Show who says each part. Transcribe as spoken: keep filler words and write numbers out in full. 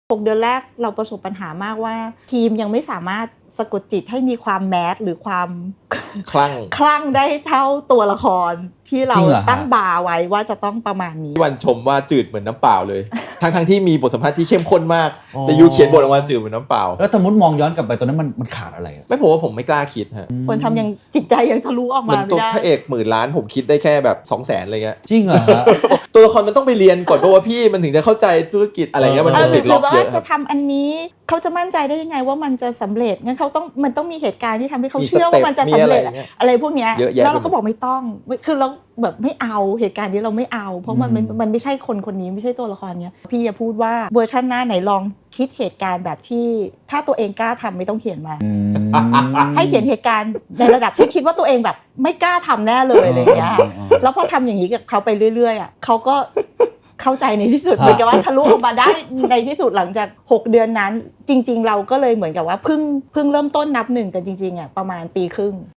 Speaker 1: หกเดือนแรกเราประสบปัญหามากว่าทีมยังไม่สามารถสะกดจิตให้มีความแมสหรือความ
Speaker 2: คลั่ง
Speaker 1: คลั่งได้เท่าตัวละครที่เราตั้งบาร์ไว้ว่าจะต้องประมาณนี้
Speaker 2: วันชมว่าจืดเหมือนน้ำเปล่าเลย ทั้งทั้งที่มีบทสัมภาษณ์ที่เข้มข้นมากแต่ยูเขียนบทออกมาจืดเหมือนน้ำเปล่า
Speaker 3: แล้วสมมติมองย้อนกลับไปตอนนั้นมันมันขาดอะไร
Speaker 2: ไม่ผมว่าผมไม่กล้าคิดฮะ
Speaker 1: คนทำยังจิตใจยังทะลุออกมาไม่ได้
Speaker 2: พระเอกหมื่นล้านผมคิดได้แค่แบบ สองแสน อะไรเงี้ย
Speaker 3: จริงเหรอฮะ
Speaker 2: ตัวละครมันต้องไปเรียนก่อนเพราะว่าพี่มันถึงจะเข้าใจธุรกิจอะไรเงี้ยมันติดล็อกเยอะ
Speaker 1: จะทำอันนี้เขาจะมั่นใจได้ยังไงว่ามันจะสำเร็จงั้นเขาต้องมันต้องมีเหตุการณ์ที่ทำให้เขาเชื่อว่ามันจะสำเร็จอะไรพวกนี้แล้วเราก็บอกไม่ต้องคือเราแบบไม่เอาเหตุการณ์นี้เราไม่เอาเพราะมันมันไม่ใช่คนคนนี้ไม่ใช่ตัวละครเนี้ยพี่จะพูดว่าเวอร์ชันหน้าไหนลองคิดเหตุการณ์แบบที่ถ้าตัวเองกล้าทำไม่ต้องเขียนมาให้เขียนเหตุการณ์ในระดับที่คิดว่าตัวเองแบบไม่กล้าทำแน่เลยอะไรอย่างเงี้ยแล้วพอทำอย่างนี้กับเขาไปเรื่อยๆอ่ะเขาก็เข้าใจในที่สุดเหมือนกับว่าทะลุออกมาได้ในที่สุดหลังจากหกเดือนนั้นจริงๆเราก็เลยเหมือนกับว่าเพิ่งเพิ่งเริ่มต้นนับหนึ่งกันจริงๆอ่ะประมาณปีครึ่ง